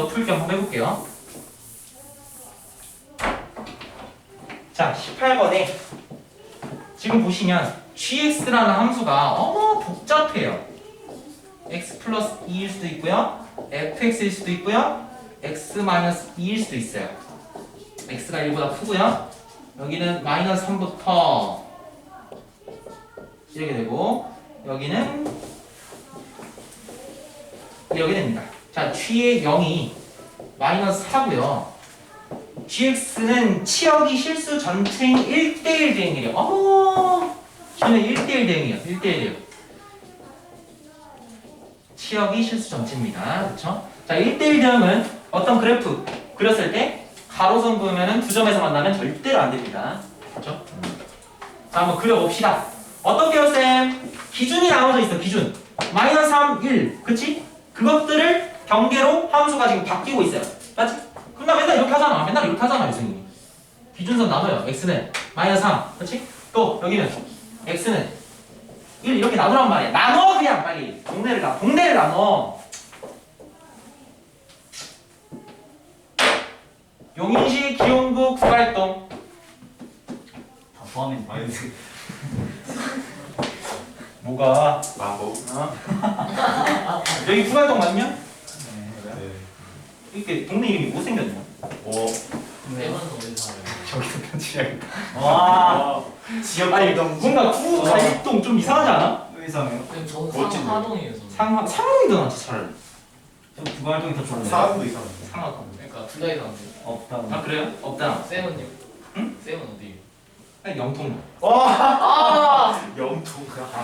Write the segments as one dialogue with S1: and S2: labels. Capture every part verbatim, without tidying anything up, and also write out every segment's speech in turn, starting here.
S1: 풀기 한번 해볼게요. 자, 십팔 번에 지금 보시면 gx라는 함수가 어머 복잡해요. x 플러스 이일 수도 있고요, fx일 수도 있고요, x 마이너스 이일 수도 있어요. x가 일보다 크고요, 여기는 마이너스 삼부터 이렇게 되고, 여기는 이렇게 됩니다. 자, g의 영이 마이너스 사고요. gx는 치역이 실수 전체인 일 대 일 대응이래요. 어머, 저는 일 대 일 대응이에요. 일 대 일이에요. 치역이 실수 전체입니다. 그렇죠? 자, 일 대 일 대응은 어떤 그래프 그렸을 때 가로선 그으면은 두 점에서 만나면 절대로 안 됩니다. 그렇죠? 자, 한번 그려봅시다. 어떻게요, 쌤? 기준이 나눠져 있어. 기준. 마이너스 삼, 일. 그치? 그것들을 경계로 함수가 지금 바뀌고 있어요. 맞지? 그럼 나 맨날 이렇게 하잖아. 맨날 이렇게 하잖아, 유승이. 기준선 나눠요. x는 마이너스 삼. 그치? 또 여기는 x는 일 이렇게 나누란 말이야. 나눠 그냥 빨리. 동네를 나. 동네를 나눠. 용인시 기용구 국가활동.
S2: 다 포함인
S3: 마이너스
S1: 뭐가?
S3: 마법.
S1: 어? 여기 국가활동 맞냐?
S3: 네.
S1: 이렇게 동네 이름이 못생겼냐?
S3: 오.
S2: 네 번은 어디 살아요?
S1: 저기도 편집해야겠다.
S2: 와
S3: 지역
S1: 아니
S3: 활동.
S1: 뭔가 구갈동 좀 이상하지 않아?
S2: 의상해요? 저는
S3: 멋진데?
S2: 상하동이에요 저는.
S1: 상 상황이 더 낫지 차라리.
S2: 저 부활동이 더 좋은데.
S3: 사람도 이상한데.
S1: 상하동.
S2: 그러니까 둘 다 이상한데.
S1: 아
S2: 없다.
S1: 그래요? 없다.
S2: 쌤은요?
S1: 응?
S2: 쌤은 어디?
S1: 아니 영통.
S3: 와.
S2: 아
S3: 영통.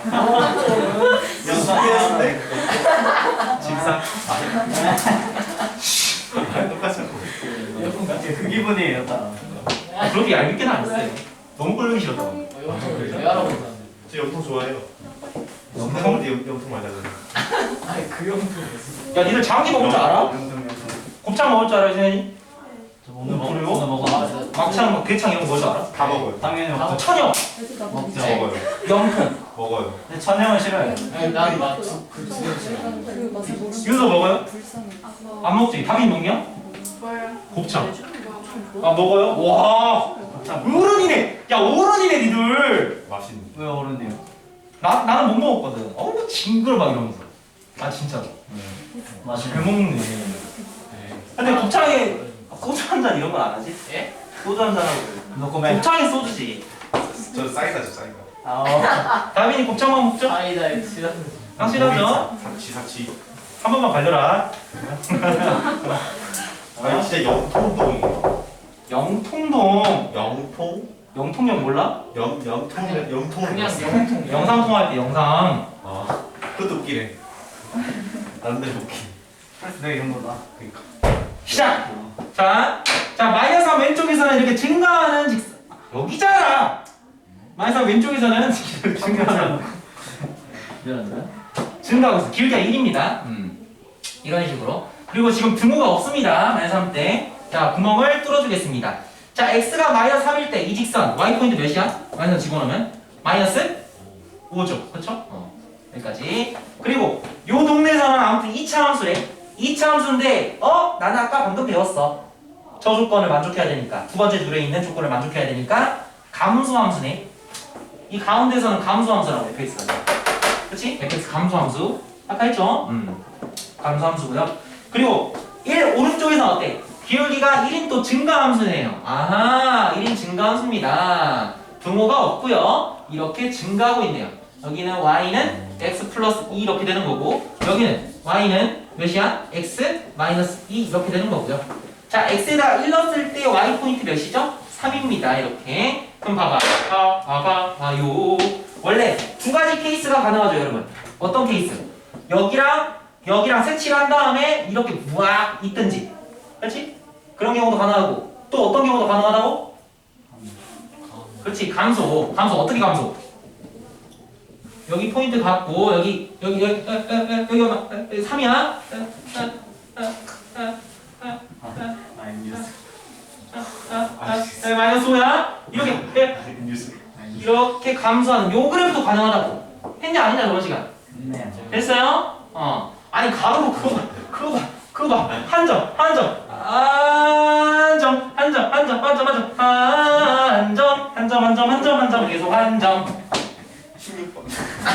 S2: 영통인데.
S1: 집사.
S3: 똑같이 하고.
S2: 그 기분이에요 다.
S1: 아, 그렇게 얄밉게는 안 했어요. 너무 꼴보기 싫었다고.
S2: 영통을 왜 알아보는데?
S3: 저 영통 좋아해요.
S1: 영통?
S3: 영통 영통 맞아요.
S2: 아니 그 영통이었어.
S1: 야 니들 장기 먹을 줄 알아?
S2: 영통 영통.
S1: 곱창 먹을 줄 알아 세현이?
S2: 저 오늘 먹
S1: 그래요?
S2: 오늘 먹어.
S1: 막창, 뭐 대창 이런 거 먹을 줄 알아?
S3: 다 먹어요.
S2: 당연히
S1: 아,
S2: 먹죠.
S1: 천영,
S2: 먹죠.
S3: 먹어요.
S1: 영통,
S3: 먹어요.
S2: 근데 천영은 싫어요.
S4: 아니
S2: 난그두개 싫어.
S4: 그 맛을 모르는
S1: 윤서 먹어요?
S4: 불쌍해.
S1: 안 먹지? 다빈 먹냐?
S4: 뭐야?
S1: 곱창. 아 먹어요? 와 어른이네. 야 어른이네 니들.
S3: 맛있는.
S2: 왜 어른이요?
S1: 나 나는 못 먹었거든. 어우 징그러 막 이러면서. 아 진짜로. 잘
S2: 맛있는.
S1: 먹네. 근데 곱창에 소주 한 잔 이런 건 안 하지?
S2: 예?
S1: 소주 한 잔 하고.
S2: 노코멘.
S1: 곱창에 소주지.
S3: 저 쌀가죠 쌀가.
S2: 아.
S1: 다빈이 곱창만 먹죠?
S2: 아이다이 싫어하는.
S1: 확실하죠?
S3: 사치 사치.
S1: 한 번만 갈려라.
S3: 아니 진짜 영통동이에요.
S1: 영통동.
S3: 영통?
S1: 영통역 몰라?
S3: 영 영통
S2: 그냥-
S3: 영통.
S2: 그냥 영통.
S1: 영상 통화할 때 영상.
S3: 아 그것도 웃기네. 나름대로 웃기.
S2: 내가 이런 거다.
S3: 그러니까.
S1: 시작! 자, 자 마이너스 삼 왼쪽에서는 이렇게 증가하는 직선. 여기잖아! 마이너스 삼 왼쪽에서는 증가하는
S2: 미안한데.
S1: 증가하고 있어. 길이가 일입니다. 음. 이런 식으로. 그리고 지금 등호가 없습니다. 마이너스 삼 때. 자, 구멍을 뚫어주겠습니다. 자, x가 마이너스 삼일 때 이 직선 y 포인트 몇이야? 마이너스 집어넣으면 마이너스 오죠. 그렇죠? 어. 여기까지. 그리고 요 동네에서는 아무튼 이 차 함수래. 이 차 함수인데 어? 나는 아까 방금 배웠어. 저 조건을 만족해야 되니까. 두 번째 줄에 있는 조건을 만족해야 되니까 감수 함수네. 이 가운데서는 감수 함수라고 fx가. 그치? fx 감수 함수. 아까 했죠? 음. 감수 함수고요. 그리고 일 오른쪽에서는 어때? 기울기가 일인 또 증가 함수네요. 아하, 일인 증가 함수입니다. 등호가 없고요. 이렇게 증가하고 있네요. 여기는 y는 x 플러스 이 이렇게 되는 거고, 여기는 y는 몇이야? x 마이너스 이 이렇게 되는 거고요. 자, x에다 일 넣었을 때 y 포인트 몇이죠? 삼입니다. 이렇게. 그럼 봐봐. 봐, 봐봐, 봐요. 원래 두 가지 케이스가 가능하죠, 여러분. 어떤 케이스? 여기랑 여기랑 색칠을 한 다음에 이렇게 무악 있든지. 그렇지? 그런 경우도 가능하고. 또 어떤 경우도 가능하다고? 그렇지. 감소. 감소 어떻게 감소? 여기 포인트 갖고 여기 여기 여기 에, 에, 에, 여기 얼마? 에, 에, 삼이야? 에, 에, 에, 에, 에,
S2: 마이너스.
S1: 에, 에, 마이너스 오야? 이렇게 에,
S3: 뉴스.
S1: 이렇게 감소하는 요 그래프도 가능하다고. 했냐 안 했냐 저번 시간?
S2: 네.
S1: 됐어요? 어. 아니 가로로 그거 봐. 그거 봐. 그거 봐. 한 점. 한 한점 한점 한점 한점 한점 한점 한점 한점 한점 한점 한점 계속 한점
S3: 십육 번.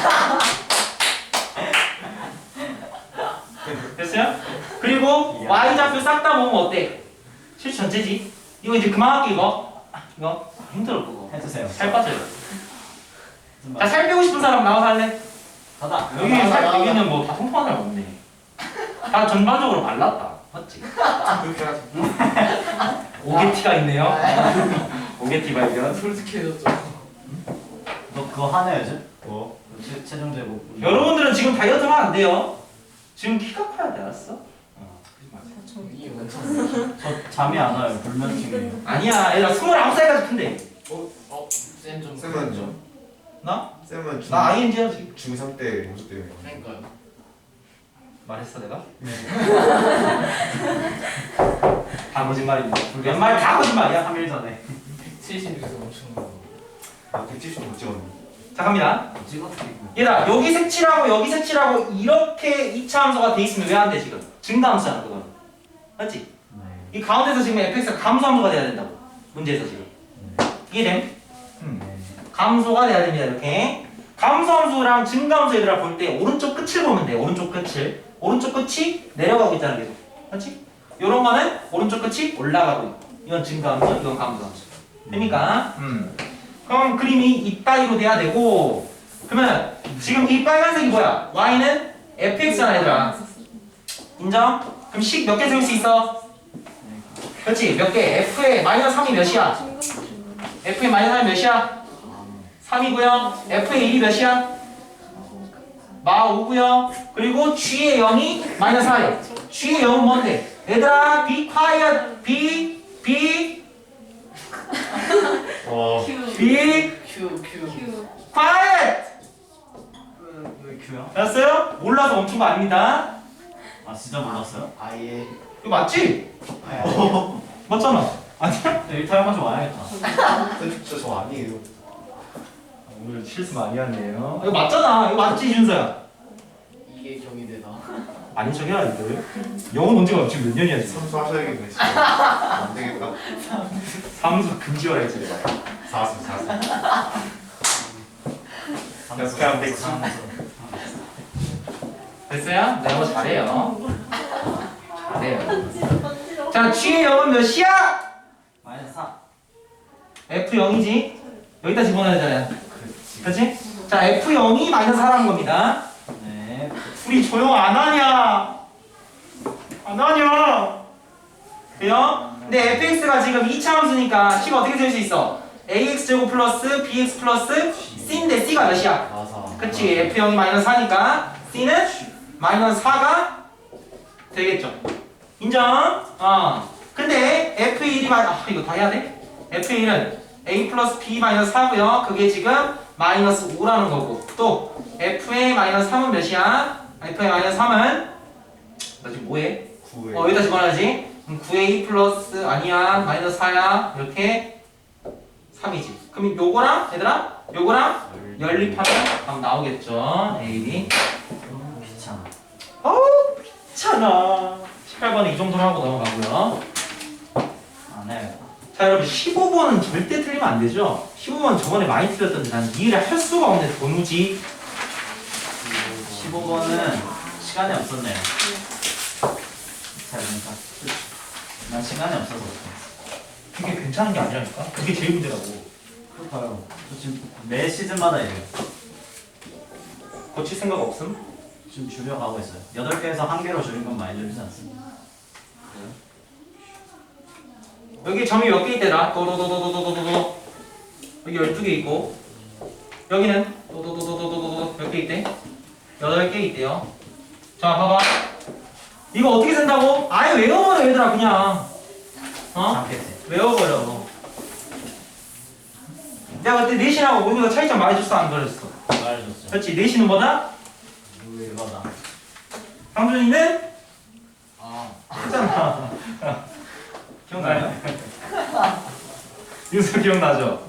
S1: 됐어요? 그리고 y좌표 싹 다 모으면 어때? 실수 전체지. 이거 이제 그만할게 이거. 이거 힘들어 그거.
S2: 해주세요.
S1: 살 빠져요. 자, 살 빼고 싶은 사람 나와서 할래?
S2: 가다.
S1: 여기 살 여기는 뭐 다 통통한 사람 없네. 다 전반적으로 말랐다. 맞지?
S3: 그렇게 하자.
S1: 오게티가 있네요. 오게티 발견.
S2: 솔직해졌죠. 너 그거 하네 요즘?
S3: 뭐?
S2: 체, 체중 제고.
S1: 여러분들은 지금 다이어트 하면 안 돼요. 지금 키가 커야 돼, 알았어?
S2: 이게 원천. 저 잠이 안 와요. 불면증이에요.
S1: 아니야, 얘가 스물아홉 살까지 큰데.
S2: 어? 어? 쌤좀
S3: 쌤은 좀.
S1: 나?
S3: 쌤은 중.
S1: 나 아이엔지야 지금.
S3: 중삼 때 모습 때문에.
S2: 그러니까요.
S1: 말했어 내가? 다 거짓말입니다. 웬말 다 거짓말이야.
S2: 삼 일 전에.
S5: 백칠십에서 엄청 많아.
S3: 아, 백칠십 못 찍었네.
S1: 자 갑니다.
S2: 찍었지.
S1: 얘들아 여기 색칠하고 여기 색칠하고 이렇게 이차 함수가 돼 있으면 왜 안 돼 지금? 증가함수잖아 그건. 맞지?
S2: 네.
S1: 이 가운데서 지금 fx가 감소함수가 돼야 된다고. 문제에서 지금.
S2: 네.
S1: 이해됨? 음.
S2: 네.
S1: 감소가 돼야 됩니다 이렇게. 감소함수랑 증가함수 얘들아 볼 때 오른쪽 끝을 보면 돼. 오른쪽 끝을. 오른쪽 끝이 내려가고 있다는 게. 맞지? 요런 거는 오른쪽 끝이 올라가고 있고. 이건 증가함수, 이건 감소함수. 됩니까? 음. 그럼 그림이 이따위로 돼야 되고. 그러면 지금 이 빨간색이 뭐야? y는 fx잖아 얘들아. 인정? 그럼 식 몇 개 세울 수 있어? 그렇지 몇 개? f의 마이너스 삼이 몇이야? f의 마이너스 삼이 몇이야? 삼이고요. f의 일이 몇이야? 마 오고요. 그리고 g의 영이 마이너스 사예요. g의 영은 뭔데? 얘들아 be quiet be be
S3: 와.
S1: be
S2: 큐 큐.
S4: 큐.
S1: quiet
S2: 왜 큐야?
S1: 알았어요? 몰라서 멈춘 거 아닙니다.
S2: 아 진짜 몰랐어요?
S5: 아예.
S1: 이거 맞지?
S2: 아예.
S1: 맞잖아. 아니야?
S2: 일타 한번 좀 와야겠다.
S3: 쌤 진짜 저 아니에요.
S1: 오늘 실수 많이 하네요. 이거 맞잖아. 이거 맞지 준서야?
S5: 이게 경희대다.
S1: 아닌 척해라 이들. 영어 문제가 지금 몇 년이야 지금?
S3: 삼수 하셔야겠네 진짜. 안 되겠다.
S1: 삼수 금지어라 했지 내가.
S3: 사수 사수.
S2: 삼수,
S3: 그냥 백수.
S2: 삼수.
S1: 됐어요? 네, 뭐 잘해요. 잘해요. 자, g의 영은 몇이야?
S2: 마이너스 사.
S1: 에프 영이지? 여기다 집어넣어야 되잖아요. 그렇지? 자, 에프 영이 마이너스 사라는 겁니다.
S2: 네.
S1: 우리 조용 안 하냐? 안 하냐? 돼요? 근데 fx가 지금 이차 함수니까 c가 어떻게 될 수 있어? ax제곱 플러스 bx 플러스 c인데 c가 몇이야?
S5: 마사.
S1: 그치? 에프 영이 마이너스 사니까 c는 마이너스 사가 되겠죠. 인정? 어. 근데 에프 일이 마이 아 이거 다 해야 돼? 에프 일은 a 플러스 b 마이너스 사고요. 그게 지금 마이너스 오라는 거고. 또 f의 마이너스 삼은 몇이야? f의 마이너스 삼은 나 지금 뭐해?
S3: 구에.
S1: 어 여기다 집어넣어야지. 그럼 구 에이 플러스 아니야 마이너스 사야 이렇게 삼이지. 그럼 요거랑 얘들아 요거랑 연립하면 답 나오겠죠. A, B.
S2: 귀찮아.
S1: 어우 귀찮아. 십팔 번에 이 정도로 하고 넘어가고요.
S2: 안 해요.
S1: 자 여러분 십오 번은 절대 틀리면 안 되죠. 십오 번 저번에 많이 틀렸던데 난 이해를 할 수가 없네 도무지.
S2: 십오 번은 시간이 없었네요. 잘 보니까. 난 시간이 없어서 그래.
S1: 그게 괜찮은 게 아니라니까. 그게 제일 문제라고.
S2: 그렇다요. 저 지금 매 시즌마다 이래요.
S1: 고칠 생각 없음?
S2: 지금 줄여가고 있어요. 여덟 개에서 한 개로 줄인 건 많이 줄이지 않습니다.
S1: 여기 점이 몇 개 있대라? 도도도도도도도도. 여기 열두 개 있고 여기는 도도도도도도도 몇 개 있대? 여덟 개 있대요. 자 봐봐. 이거 어떻게 센다고? 아예 외워버려 얘들아 그냥. 어?
S2: 잠겠지.
S1: 외워버려. 내가 그때 내신하고 모두가 차이점 말해줬어 안 말해줬어?
S2: 말해줬죠.
S1: 그렇지. 내신은 뭐다?
S2: 이거다.
S1: 상준이는?
S5: 아.
S1: 했잖아. 기억나요? 윤수 기억나죠?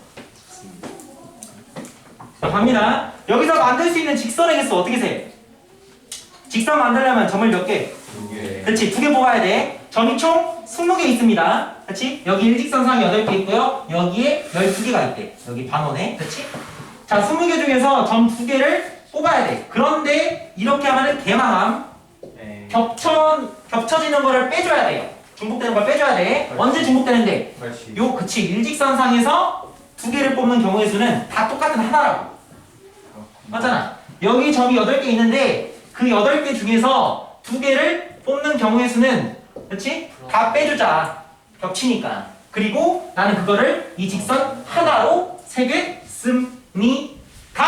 S1: 자 갑니다. 여기서 만들 수 있는 직선의 개수 어떻게 세? 직선 만들려면 점을 몇 개?
S3: 두 개.
S1: 그렇지 두 개 뽑아야 돼. 점이 총 스무 개 있습니다. 그렇지? 여기 일직선상 여덟 개 있고요. 여기에 열두 개가 있대. 여기 반원에. 그렇지? 자, 스무 개 중에서 점 두 개를 뽑아야 돼. 그런데 이렇게 하면은 개망함.
S2: 네.
S1: 겹쳐, 겹쳐지는 거를 빼줘야 돼요. 중복되는 걸 빼줘야 돼. 언제 중복되는데?
S3: 팔십.
S1: 요, 그치. 일직선상에서 두 개를 뽑는 경우의 수는 다 똑같은 하나라고. 맞잖아. 여기 점이 여덟 개 있는데 그 여덟 개 중에서 두 개를 뽑는 경우의 수는 그렇지? 다 빼주자. 겹치니까. 그리고 나는 그거를 이 직선 하나로 세겠습니다.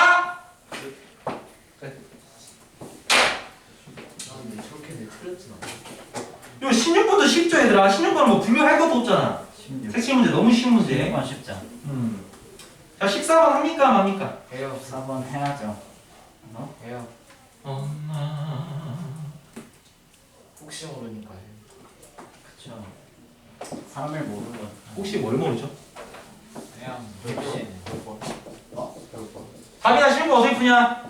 S5: 아 근데 저렇게 내 틀렸진 않아.
S1: 요 십육 번도 쉽죠 얘들아. 십육 번은 뭐 분류할 것도 없잖아.
S2: 십육.
S1: 색칠 문제 너무 쉬운 문제.
S2: 십육 번 쉽죠.
S1: 음. 자 십사 번 합니까 맙니까?
S5: 해요.
S2: 사 번 해야죠. 어?
S5: 해요.
S1: 엄마.
S5: 혹시 모르니까 해요.
S2: 그쵸. 사람을 모르는 거.
S1: 혹시 뭘 모르죠?
S5: 그냥
S2: 혹시.
S5: 어? 배고파.
S1: 답이나 쉬운 거 어떻게 푸냐?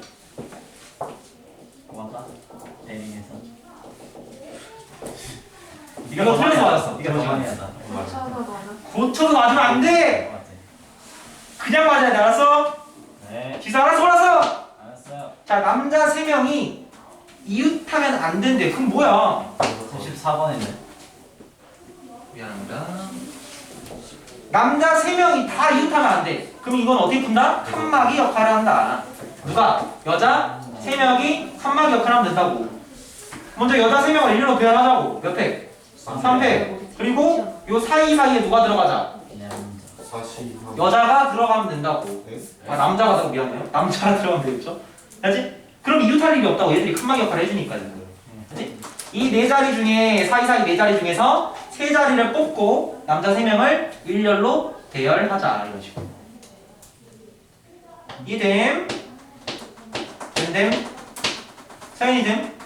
S2: 와가 대링에서.
S1: 네가 더 틀려서 맞았어.
S2: 네가 더 많이 하다.
S4: 고쳐서 맞아.
S1: 고쳐서 맞으면 안 돼.
S2: 맞지.
S1: 그냥 맞아야 돼. 알았어?
S2: 네.
S1: 기사 알아서 몰았어.
S2: 알았어요.
S1: 자 남자 세 명이 이웃하면 안 된대. 그럼 뭐야?
S2: 십사 번이네.
S1: 미안합니다. 남자 세 명이 다 이웃하면 안 돼. 그럼 이건 어떻게 푼다? 칸막이 역할을 한다. 누가? 여자 세 명이 칸막이 역할을 하면 된다고. 먼저 여자 세 명을 일렬로 배열하자고. 몇 팩? 삼 팩. 그리고 요 사이사이에 누가 들어가자?
S2: 남자.
S3: 사십.
S1: 여자가 들어가면 된다고.
S3: 네?
S1: 아 남자가 들어 미안해요. 남자가 들어가면 되겠죠? 알지? 그럼 이웃할 일이 없다고. 얘들이 칸막이 역할을 해주니까 지금. 알지? 이 네 자리 중에 사이사이 네 자리 중에서 세 자리를 뽑고 남자 세 명을 일렬로 대열하자 이런 식으로. 이됨, 됨됨, 서연이 됨.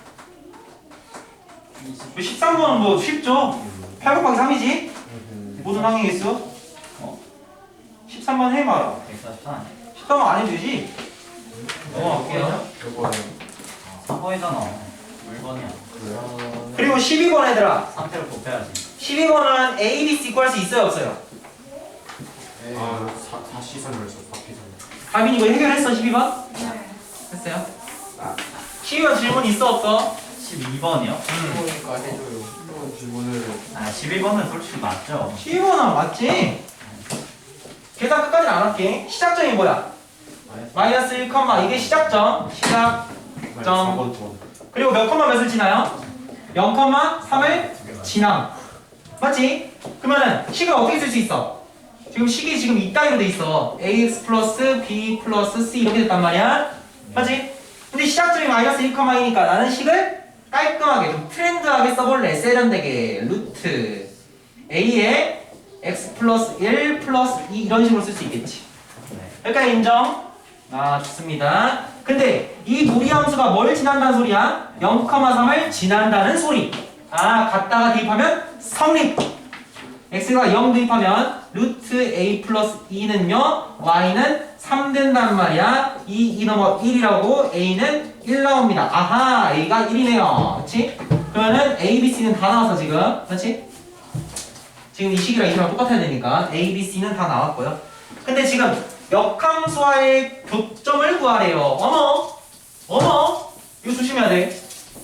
S1: 십삼 번은 뭐 쉽죠? 팔 곱하기 삼이지? 모든 항의 개수. 어. 십삼 번 해봐라.
S2: 백사십사 아니야?
S1: 십삼 번 안 해도 되지? 넘어갈게요.
S3: 이번에
S2: 사 번이잖아. 일 번이야.
S3: 그래요?
S1: 그리고 십이 번 얘들아.
S2: 삼 패를 곱해야지.
S1: 십이 번은 A, B, C 구할 수 있어요 없어요?
S5: 네.
S3: 아, 사 사시선을 했어. 사피선.
S1: 가빈 이거 해결했어 십이 번?
S4: 네.
S1: 했어요? 십이 번 질문 있어 없어?
S2: 십이 번이요?
S5: 보니까 해줘요.
S3: 이번 질문을
S2: 아, 십일 번은 솔직히 맞죠.
S1: 십이 번은 맞지? 계산 끝까지는 안 할게. 시작점이 뭐야? 마이너스 일, 이게 시작점. 시작. 점.
S3: 사 번 번.
S1: 그리고 몇 컴마 몇을 지나요? 영, 삼을 지남. 맞지? 그러면은 식을 어떻게 쓸 수 있어? 지금 식이 지금 이따위로 돼 있어. ax 플러스 b 플러스 c 이렇게 됐단 말이야. 맞지? 근데 시작점이 마이너스 일, 이니까 나는 식을 깔끔하게 좀 트렌드하게 써볼래. 세련되게 루트 a에 x 플러스 일 플러스 이 이런 식으로 쓸 수 있겠지.
S2: 네.
S1: 여기까지 인정? 아 좋습니다. 근데 이 무리함수가 뭘 지난다는 소리야? 영, 삼을 지난다는 소리. 아 갖다가 대입하면 성립. x가 영 대입하면 루트 a 플러스 이는요 y는 삼 된단 말이야. 이, 이 넘어 일이라고 a는 일 나옵니다. 아하 a가 일이네요. 그치? 그러면은 a, b, c는 다 나와서 지금 그렇지? 지금 이 식이랑 이 식이랑 똑같아야 되니까 a, b, c는 다 나왔고요. 근데 지금 역함수와의 교점을 구하래요. 어머 어머 이거 조심해야 돼.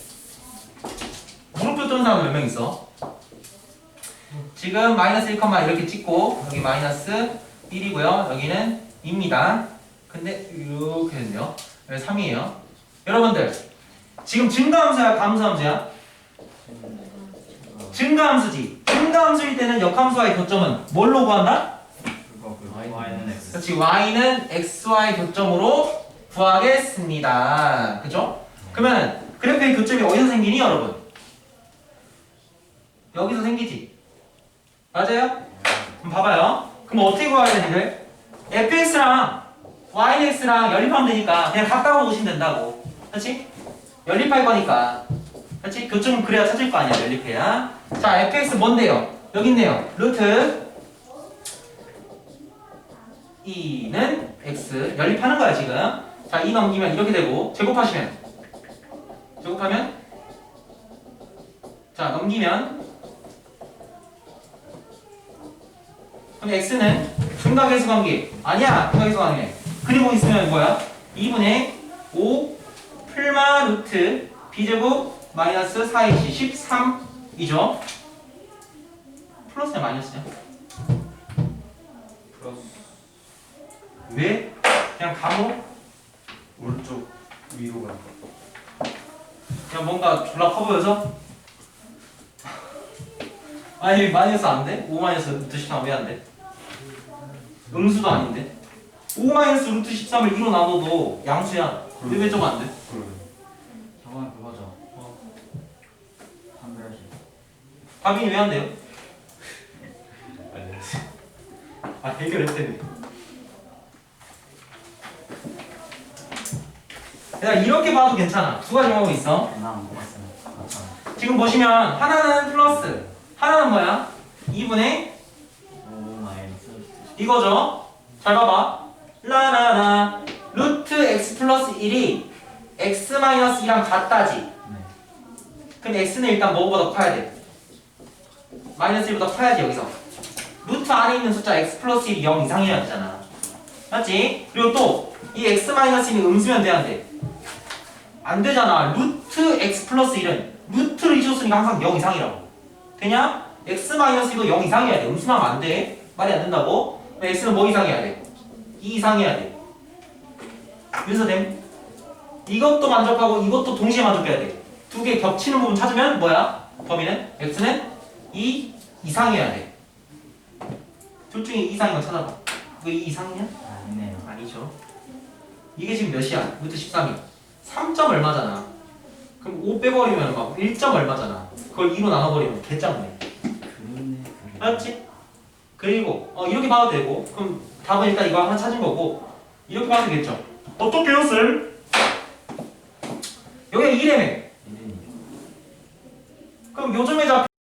S1: 물음표 뜨는 사람 몇 명 있어? 지금 마이너스 일, 이렇게 찍고 여기 마이너스 일이고요. 여기는 이입니다. 근데 이렇게 됐네요. 여기 삼이에요. 여러분들 지금 증가함수야 감수함수야? 증가함수지. 증가함수일 때는 역함수와의 교점은 뭘로 구한다?
S2: 그거 그 y는 x.
S1: 그렇지. y는 x와의 교점으로 구하겠습니다. 그죠? 그러면 그래프의 교점이 어디서 생기니 여러분? 여기서 생기지. 맞아요? 그럼 봐봐요. 그럼 어떻게 구해야 되는데? fx랑 y는 x랑 연립하면 되니까 그냥 갖다 놓으시면 된다고. 그렇지? 연립할 거니까. 그렇지? 교점은 그래야 찾을 거 아니야. 연립해야. 자, fx 뭔데요? 여기 있네요. 루트 이는 x 연립하는 거야 지금. 자, 이 넘기면 이렇게 되고 제곱하시면 제곱하면 자 넘기면 그럼 x는 중각계수 관계 아니야. 중각계수 관계. 그리고 있으면 뭐야? 이분의 오 풀마 루트 b제곱 마이너스 사 에이씨 십삼이죠. 플러스냐 마이너스냐?
S5: 플러스.
S1: 왜? 그냥 감으로?
S3: 오른쪽 위로 가.
S1: 그냥 뭔가 졸라 커 보여서? 아니 마이너스 안 돼? 오 마이너스 루트 십삼 왜 안 돼? 음수도 아닌데? 오 마이너스 루트 십삼을 이로 나눠도 양수야. 근데 왜 저거 안 돼?
S3: 그러네.
S2: 저번에 그거죠. 한글씨.
S1: 답이 왜 안 돼요?
S3: 아니.
S1: 아 해결했대. 얘들아 이렇게 봐도 괜찮아. 두 가지 방법이 있어.
S2: 나안 먹었어요. 맞아.
S1: 지금 보시면 하나는 플러스, 하나는 뭐야? 이분의
S2: 오 마이너스.
S1: 이거죠. 잘 봐봐. 라라라 루트 x 플러스 일이 x 마이너스 이랑 같다지.
S2: 네.
S1: 그럼 x는 일단 뭐보다 커야 돼? 마이너스 일보다 커야지 여기서. 루트 안에 있는 숫자 x 플러스 일이 영 이상이어야 되잖아. 맞지? 그리고 또 이 x 마이너스 일이 음수면 돼야 돼. 안 되잖아. 루트 x 플러스 일은 루트를 잊었으니까 항상 영 이상이라고. 되냐? x 마이너스 일도 영 이상이어야 돼. 음수만 하면 안 돼. 말이 안 된다고? 그럼 x는 뭐 이상이어야 돼? 이 이상이어야 돼. 그래서 됨. 이것도 만족하고 이것도 동시에 만족해야 돼. 두 개 겹치는 부분 찾으면 뭐야? 범위는? x는 이 이상이어야 돼. 둘 중에 이 이상인 거 찾아봐. 그거 이 이상이냐?
S2: 아니네요.
S1: 아니죠. 이게 지금 몇이야? 루트 십삼이. 삼 점 얼마잖아. 그럼 오 빼버리면 막 일 점 얼마잖아. 그걸 이로 나눠버리면 개짱네.
S2: 그러네.
S1: 알았지? 그리고 어, 이렇게 봐도 되고 그럼 답은 일단 이거 하나 찾은 거고 이렇게 봐도 되겠죠? 어떻게요 쌤? 여기가 이래매.
S2: 이름이.
S1: 그럼 요즘에 잡